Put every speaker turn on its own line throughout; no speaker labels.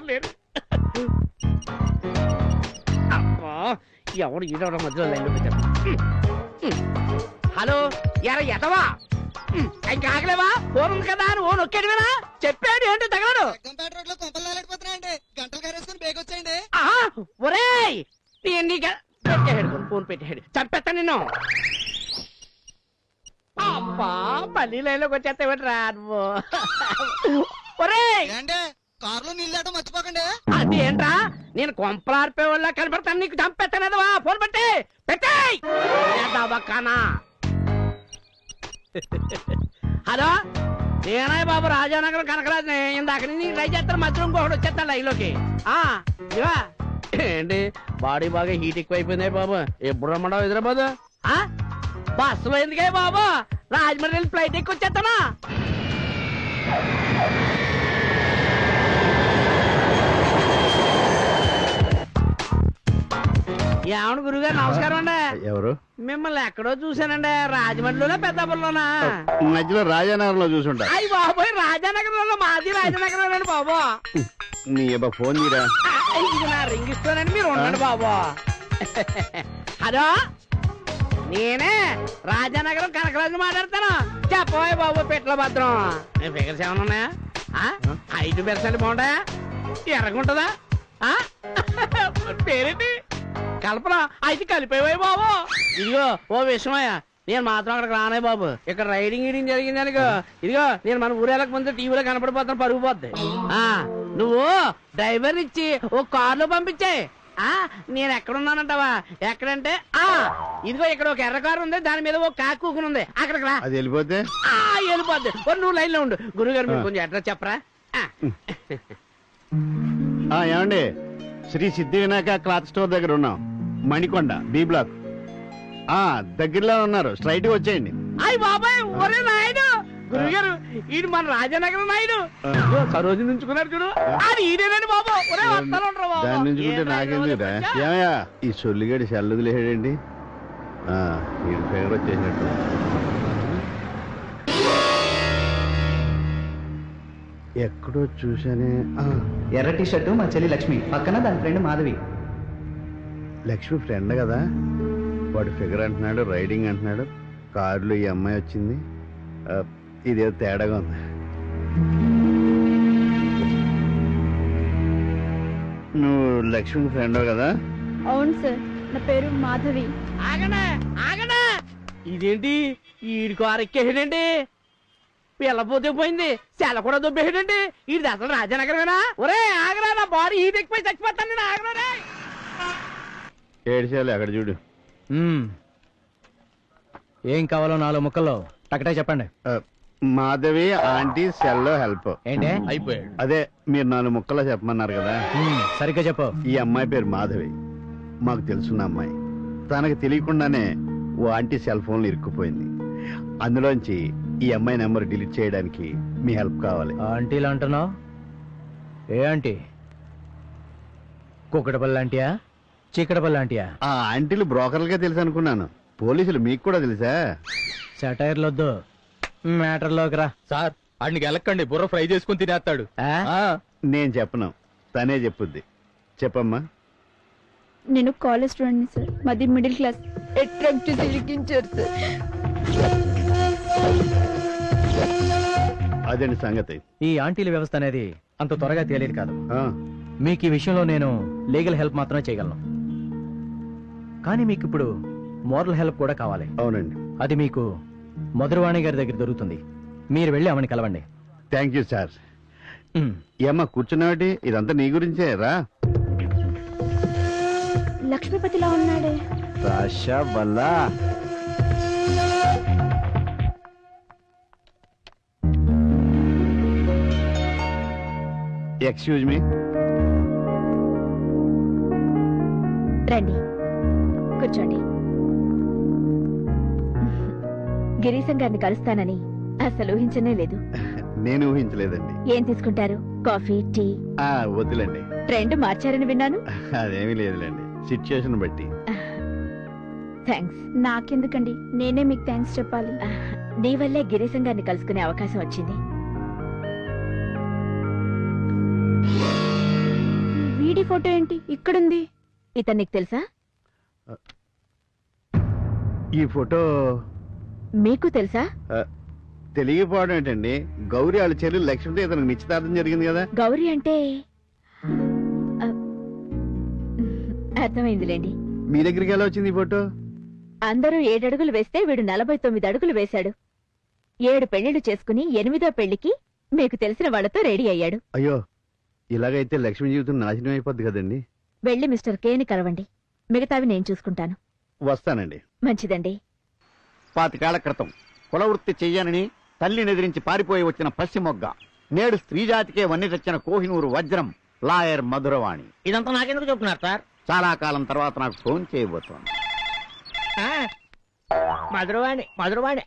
ఎవరు లేరు. అబ్బా ఎవరు ఈడవడం మధ్యలో లైన్లో పెట్టారు. హలో ఎరా ఎదవా, ఇంకా ఆగలేవా? ఫోన్ ఉంది కదా అని ఓ నొక్కాడు కదా, చెప్పాడు ఏంటో తగలడు. ఒరేయ్ ఫోన్ పెట్టాడు, చంపేస్తా నిన్ను. అబ్బా మళ్ళీ లైన్లోకి వచ్చేస్తావేంటి రా నువ్వు. ఒరేయ్
కారులో నీళ్ళు మర్చిపోకండి.
అదేంట్రా నేను కొంపలార్పే వాళ్ళ కనపడతాను, నీకు చంపేస్తానేదవా. ఫోన్ పెట్టి పెట్టేయ్. హలో నేనాయ్ బాబు రాజానగరం కనకరాజుని. ఇందాక నుంచి ట్రై చేస్తాను, మధ్యలో ఇంకొకటి వచ్చేస్తాను లైన్లోకి. ఇవా ఏంటి బాడీ బాగా హీట్ ఎక్కువైపోయింది బాబు. ఎప్పుడు రమ్మడావు హైదరాబాద్? బస్సులో ఎందుకే బాబు, రాజమండ్రి ఫ్లైట్ ఎక్కువ వచ్చేస్తానా? ఏమను గురుగారు నమస్కారం అండి.
ఎవరు?
మిమ్మల్ని ఎక్కడో చూసానండి, రాజమండ్రిలోనా పెద్దాపురంలోనా?
మధ్యలో రాజానగరంలో చూసుంటా.
అయ్యి బాబోయ్ రాజానగరంలో, మాది రాజానగరం బాబు.
నీ ఫోన్ తీరా.
ఇది నా రింగ్ ఇస్తానండి, మీరు ఉండండి బాబు. హలో నేనే రాజానగరం కనకరాజు మాట్లాడతాను. చెప్పబోయే బాబు పెట్ల భద్రం. ఫిగర్స్ ఏమన్నా ఉన్నాయా? 5% బాగుంటాయా? ఎర్రగుంటదా? పేరేంటి? కల్పన. అయితే కలిపేవే బాబు. ఇదిగో ఓ విషయమయ్యా, నేను మాత్రం అక్కడికి రానే బాబు. ఇక్కడ రైడింగ్ గీడింగ్ జరిగింది అనుకో, ఇదిగో నేను మన ఊరేళ్ళకి ముందు టీవీలో కనపడిపోతాను, పరుగు పోద్ది. నువ్వు డ్రైవర్ ఇచ్చి ఓ కారులో పంపించే. నేను ఎక్కడున్నానంటావా? ఎక్కడంటే ఇదిగో ఇక్కడ ఒక ఎర్ర కారు ఉంది, దాని మీద ఓ కాకు కూకుని ఉంది, అక్కడికి రా.
అది వెళ్ళిపోతే
వెళ్ళిపోద్ది. నువ్వు లైన్ లో ఉండు. గురుగారు మీరు కొంచెం అడ్రస్ చెప్పరా?
ఏమండి, శ్రీ సిద్ధి వినాయక క్లాత్ స్టోర్ దగ్గర ఉన్నాం, మణికొండ బి బ్లాక్. దగ్గరలో ఉన్నారు, స్ట్రైట్ గా వచ్చేయండి.
అయ్యి బాబాయ్ ఒరే నాయుడు, గురుగారు ఈడు మన రాజానగరం నాయుడు. సరోజు నుంచుకున్నాడు చూడు, అది ఈడేనండి బాబు. ఒరే వస్తాను
దాని నుంచుకుంటే నాకెందుకురా? ఏమయ్యా ఈ సొల్లిగడి చల్లుదిలేడండి, ఈ ఫేవర్ వచ్చేసినట్టు. ఎక్కడో చూసానే.
ఎర్ర టీ షర్టు మా చెల్లి లక్ష్మి, పక్కన దాని ఫ్రెండ్ మాధవి.
లక్ష్మి ఫ్రెండ్ కదా, వాడు ఫిగర్ అంటున్నాడు, రైడింగ్ అంటున్నాడు, కారులో ఈ అమ్మాయి వచ్చింది. ఇదేదో తేడాగా ఉంది. నువ్వు లక్ష్మి ఫ్రెండ్ కదా?
అవును సార్, నా పేరు మాధవి.
ఆగనా ఆగనా, ఇదేంటి ఈడి కారు ఎక్కేసాడండి? పిల్లపోతే పోయింది, సెల కూడా దొబ్బేసాడండి. ఇది అసలు రాజానగరమేనా? ఒరే ఆగరా, నా బాడీ హీట్ ఎక్కిపోయి చచ్చిపోతాను నేను. ఆగరా
ఏడ్చాలి, అక్కడ చూడు.
ఏం కావాలో 4 ముక్కల్లో టకటే చెప్పండి.
మాధవి ఆంటీ సెల్లో హెల్ప్.
ఏంటే
అయిపోయాడు?
అదే మీరు 4 ముక్కల్లో చెప్పమన్నారు కదా.
సరిగ్గా చెప్పు.
ఈ అమ్మాయి పేరు మాధవి, మాకు తెలుసున్న అమ్మాయి. తనకు తెలియకుండానే ఓ ఆంటీ సెల్ ఫోన్లో ఇరుక్కుపోయింది. అందులోంచి ఈ అమ్మాయి నెంబర్ డిలీట్ చేయడానికి మీ హెల్ప్ కావాలి.
ఆంటీలు అంటున్నావు? ఏ ఆంటీ? కుక్కడపల్లి ఆంటీయా, చీకటపల్లి ఆంటీయా?
ఆ ఆంటీలు బ్రోకర్లుగా తెలుసు అనుకున్నాను, పోలీసులు మీకు కూడా తెలుసా?
సెటైర్లొద్దు, మ్యాటర్లోకి రా.
సార్ అడికి వెళ్ళకండి, బుర్ర ఫ్రై చేసుకుని తినేస్తాడు.
నేను చెప్పను, తనే చెప్పుద్ది. చెప్పమ్మా.
నేను కాలేజ్ స్టూడెంట్ సార్, మాది మిడిల్ క్లాస్. అట్రాక్ట్ చేసి ఇరికించారు సార్.
అదండి సంగతి.
ఈ ఆంటీల వ్యవస్థ అనేది అంత త్వరగా తేలేదు కాదు.
ఆ,
మీకు ఈ విషయంలో నేను లీగల్ హెల్ప్ మాత్రమే చేయగలను, కానీ మీకు ఇప్పుడు మోరల్ హెల్ప్ కూడా కావాలి.
అవునండి.
అది మీకు మధురవాణి గారి దగ్గర దొరుకుతుంది. మీరు వెళ్ళి ఆమెను కలవండి.
Thank you sir. ఏమ్మా కూర్చున్నావాటి? ఇదంతా నీ గురించే రా.
లక్ష్మీపతిలా ఉన్నాడే.
రాషా వల్ల ఎక్స్క్యూజ్ మీ.
రండి కూర్చోండి. గిరీశం గారిని కలుస్తానని అసలు ఊహించనే లేదు.
నేను ఊహించలేదండి.
ఏం తీసుకుంటారు? Coffee, tea?
వద్దులేండి.
ట్రెండ్ మార్చారని విన్నాను.
అదేమీ లేదులేండి, సిచ్యుయేషన్ బట్టి.
థ్యాంక్స్. నాకెందుకండి, నేనే మీకు థ్యాంక్స్ చెప్పాలి. నీ వల్లే గిరీశం గారిని కలుసుకునే అవకాశం వచ్చింది. వీడి ఫోటో ఏంటి ఇక్కడుంది? ఇతను నీకు తెలుసా?
ఈ ఫోటో
మీకు తెలుసా?
తెలియకపోవడం ఏంటండి? గౌరీ వాళ్ళ చెల్లి లక్ష్మితో ఇతనికి నిశ్చితార్థం జరిగింది కదా.
గౌరీ అంటే ఆ, అర్థమైందిలేండి.
మీ దగ్గరికి ఎలా వచ్చింది ఈ ఫోటో?
అందరూ 7 అడుగులు వేస్తే వీడు 49 అడుగులు వేశాడు. 7 పెళ్లిళ్లు చేసుకుని 8వ పెళ్లికి మీకు తెలిసిన వాళ్లతో రెడీ అయ్యాడు.
అయ్యో, ఇలాగైతే లక్ష్మి జీవితం నాశనం అయిపోద్ది కదండి.
వెళ్ళి మిస్టర్ కేని కలవండి. మిగతావి నేను చూసుకుంటాను.
వస్తానండి.
మంచిదండి.
25 ఏళ్ల క్రితం కులవృత్తి చెయ్యనని తల్లిని ఎదిరించి పారిపోయి వచ్చిన పశ్చిమొగ్గ, నేడు స్త్రీజాతికే వన్నె తెచ్చిన కోహినూరు వజ్రం లాయర్ మధురవాణి
ఇదంతా నాకెందుకు చెప్తున్నారు సార్?
చాలా కాలం తర్వాత నాకు ఫోన్ చేయబోతోంది.
మధురవాణి మధురవాణి.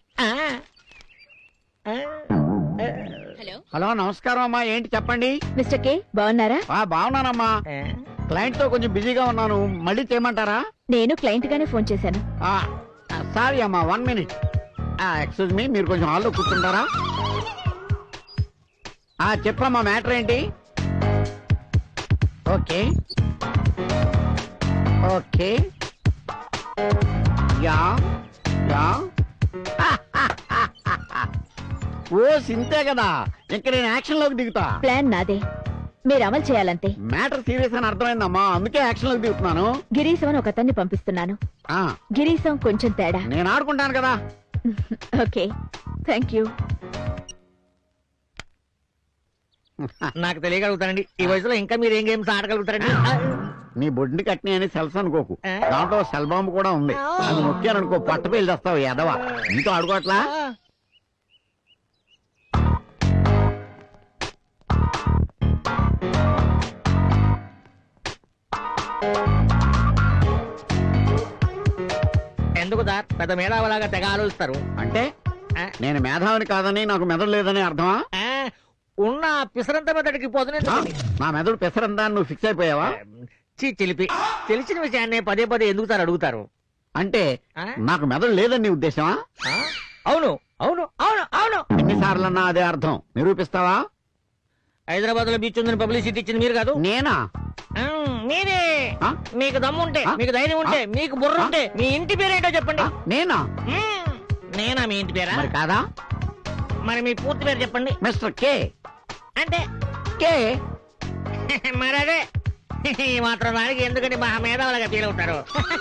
హలో, నమస్కారం అమ్మా. ఏంటి చెప్పండి?
మిస్టర్ కే బాగున్నారా?
బాగున్నానమ్మా. క్లయింట్ తో కొంచెం బిజీగా ఉన్నాను, మళ్ళీ చేయమంటారా?
నేను క్లయింట్ గానే ఫోన్ చేశాను.
సారీ అమ్మా, 1 మినిట్. ఎక్స్క్యూజ్ మీ, మీరు కొంచెం హాల్లో కూర్చుంటారా? చెప్పమ్మా, మ్యాటర్ ఏంటి? Okay okay, ya ya. ఓ సింతే కదా, ఇంక నేను యాక్షన్ లోకి దిగుతా.
ప్లాన్ నాదే, మీరు అమలు చేయాలంతే.
మ్యాటర్ సీరియస్ అని అర్థమైందమ్మా, అందుకే యాక్షన్ లోకి దిగుతున్నాను.
గిరీశం అని ఒకతన్ని పంపిస్తున్నాను. గిరీశం కొంచెం తేడా.
నేను ఆడుకుంటాను కదా.
Okay, thank you.
నాకు తెలియగలుగుతానండి, ఈ వయసులో ఇంకా మీరు ఏం గేమ్స్ ఆడగలుగుతారండి?
నీ బొడ్డుని కట్టిన అని సెల్స్ అనుకోకు, దాంట్లో సెల్ బాంబు కూడా ఉంది. అది నొక్కాననుకో పట్ట పేలు చేస్తావు ఎదవా. నీతో ఆడుకోవట్లా?
ఎందుకు సార్ పెద్ద మేధావులాగా తెగ ఆలోచిస్తారు?
అంటే నేను మేధావిని కాదని నాకు మెదడు లేదని అర్థమా?
ఉన్న పిసరంత మెదడికి పోతున్నా.
నా మెదడు పెసరందా నువ్వు ఫిక్స్ అయిపోయావా?
చిలిపి తెలిసిన విషయాన్ని పదే పదే ఎందుకు సార్ అడుగుతారు?
అంటే నాకు మెదడు లేదని నీ ఉద్దేశమా?
అవును అవును అవును అవును.
ఎన్నిసార్లన్నా అదే అర్థం, నిరూపిస్తావా?
హైదరాబాద్ లో బీచ్ ఉందని పబ్లిసిటీ ఇచ్చింది మీరు కాదు?
నేనా?
మీరే. మీకు దమ్ముంటే, మీకు ధైర్యం ఉంటే, మీకు బుర్ర ఉంటే మీ ఇంటి పేరేంటో చెప్పండి.
నేనా?
నేనా మీ ఇంటి పేరా?
మరి కాదా?
మరి మీ పూర్తి పేరు చెప్పండి.
Mister K.
అంటే
కే
మరి అదే ఈ మాత్రం దానికి ఎందుకంటే మహా మేధావులుగా ఫీల్ అవుతారు.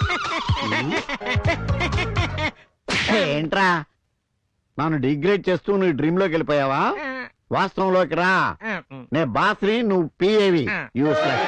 ఏంట్రా నన్ను డిగ్రేడ్ చేస్తూ నువ్వు డ్రీమ్ లోకి వెళ్ళిపోయావా? వాస్తవంలోకి రా. నే బాస్ని, నువ్వు పిఏవి. యూస్లెస్.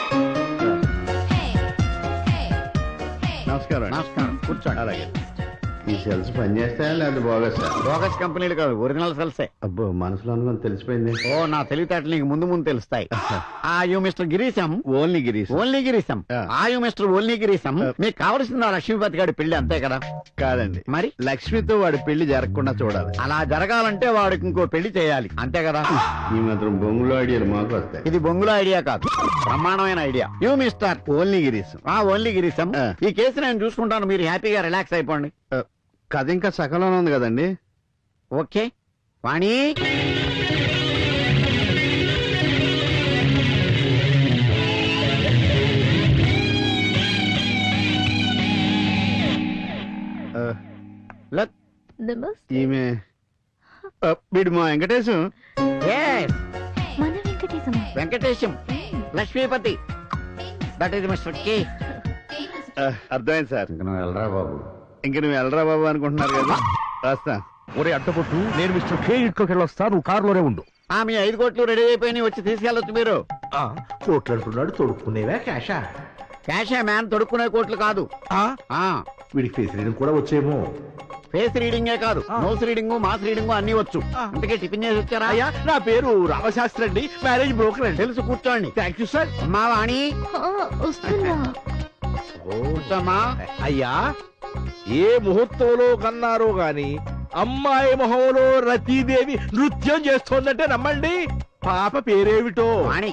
నమస్కారం.
నమస్కారం, కూర్చోండి.
అలాగే. ఈ సెల్స్ పనిచేస్తాయా లేదా బోగస్?
బోగస్ కంపెనీలు కాదు, ఒరిజినల్ సెల్సే.
అబ్బో, మనసులో అనుకుని తెలిసిపోయింది.
ఓ, నా తెలివితేటలు నీకు ముందు ముందు తెలుస్తాయి. You mister Girisham.
Only Girish.
Only Girisham. You mister only Girisham. మీకు కావలసింది ఆ లక్ష్మీపతి గారి పెళ్లి, అంతే కదా?
కాదండి,
మరి
లక్ష్మితో వాడి పెళ్లి జరగకుండా చూడాలి.
అలా జరగాలంటే వాడికి ఇంకో పెళ్లి చేయాలి, అంతే కదా?
ఈ మాత్రం బొంగులో ఐడియాలు మాకు వస్తాయి.
ఇది బొంగుల ఐడియా కాదు, బ్రహ్మాండమైన idea. You mister
only Girish.
Only Girisham. ఈ కేసు నేను చూసుకుంటాను, మీరు హ్యాపీగా రిలాక్స్ అయిపోండి.
కథ ఇంకా సకలంలో ఉంది కదండి.
ఓకే వాణి.
ఈమె వీడు మా వెంకటేశం.
మన వెంకటేశమా?
Venkatesham, Lakshmipati. That is mister K.
అర్థమైంది సార్.
ఇంక నువ్వు వెళ్ళరా బాబు.
ఇంక నువ్వు వెళ్ళరా బాబు అనుకుంటున్నారు కదా. రాస్తా.
ఒరే అడ్డగొట్టు, నేను మిస్టర్ కే ఇంట్లోకి వెళ్ళొస్తా, నువ్వు కారులోనే ఉండు.
మీ 5 కోట్లు రెడీ అయిపోయి వచ్చి తీసుకెళ్ళొచ్చు మీరు.
కోట్లు అంటున్నాడు, తొడుక్కునేవా క్యాషా?
క్యాషే మ్యాన్, తొడుక్కునే కోట్లు కాదు.
వీడికి ఫేస్ రీడింగ్ కూడా వచ్చేమో.
ఫేస్ రీడింగే కాదు, నోస్ రీడింగ్, మాస్ రీడింగ్ అన్ని వచ్చు. అందుకే టిఫిన్ చేసి వచ్చారా?
అయ్యా, నా పేరు రామశాస్త్రి అండి, మ్యారేజ్ బ్రోకర్ అండి.
తెలుసు, కూర్చోండి.
Thank you sir.
అమ్మా వాణి,
వస్తున్నా.
కూర్చోమ్మా.
అయ్యా, ఏ ముహూర్తంలో కన్నారో గాని అమ్మాయి మొహంలో రతీదేవి నృత్యం చేస్తోందంటే నమ్మండి. పాప పేరేమిటో?
వాణి.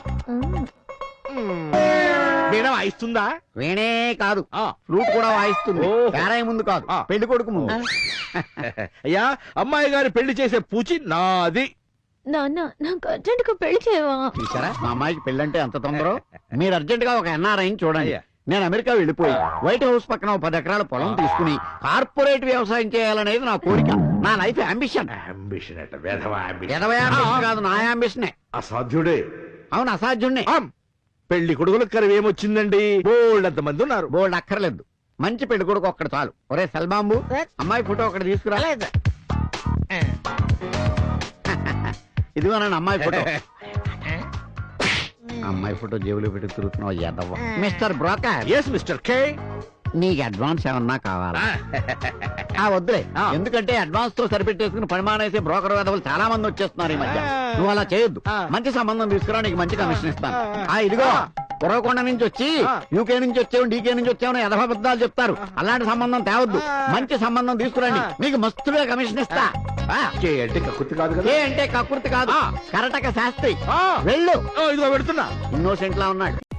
వీణ వాయిస్తుందా?
వీణే కాదు, ఫ్లూట్ కూడా వాయిస్తుంది. పేరాయి ముందు కాదు, పెళ్లి కొడుకు ముందు.
అయ్యా, అమ్మాయి గారి పెళ్లి చేసే పూచి నాది.
నాన్న నాకు అర్జెంట్ గా పెళ్లి చేయవా?
చూసారా మా అమ్మాయికి పెళ్ళంటే అంత తొందర. మీరు అర్జెంట్ గా ఒక ఎన్ఆర్ఐని చూడండి. నేను అమెరికా వెళ్ళిపోయి వైట్ హౌస్ పక్కన 10 ఎకరాల పొలం తీసుకుని కార్పొరేట్ వ్యవసాయం చేయాలనేది నా కోరిక, నా లైఫ్ అంబిషన్. కాదు, నా అంబిషనే.
అసాధ్యుడే.
అవును, అసాధ్యుణ్ణి.
పెళ్లి కొడుకులకు కరువేమొచ్చిందండి, బోల్డ్ మంది ఉన్నారు.
బోల్డ్ అక్కర్లేదు, మంచి పెళ్లి కొడుకు ఒక్కడు చాలు. ఒరే సల్బాంబు, అమ్మాయి ఫోటో ఒకటి తీసుకురా. ఇదిగోనండి అమ్మాయి ఫోటో. అమ్మాయి ఫోటో జేబులో పెట్టి తిరుగుతున్నావు యాదవ్వ. Mister broker,
yes mister K.
నీకు అడ్వాన్స్ ఏమన్నా కావాలా? వద్దులే, ఎందుకంటే అడ్వాన్స్ తో సరిపెట్టేసుకుని పరిమాణేసే బ్రోకర్ వేదవులు చాలా మంది వచ్చేస్తున్నారు ఈ మధ్య. నువ్వు అలా చేయొద్దు, మంచి సంబంధం తీసుకురా, నీకు మంచి కమిషన్ ఇస్తాను. ఇదిగో పురవకొండ నుంచి వచ్చి యూకే నుంచి వచ్చావు, డీకే నుంచి వచ్చావు యథాబద్ధాలు చెప్తారు. అలాంటి సంబంధం తేవద్దు, మంచి సంబంధం తీసుకురండి, నీకు మస్తుగా కమిషన్ ఇస్తా.
కే అంటే కక్కుర్తి కాదు కదా.
ఏ అంటే కకృతి కాదు, కరటక శాస్త్రి. వెళ్ళు.
ఇదిగో పెడుతున్నా.
ఇన్నోసెంట్ లా ఉన్నాడు.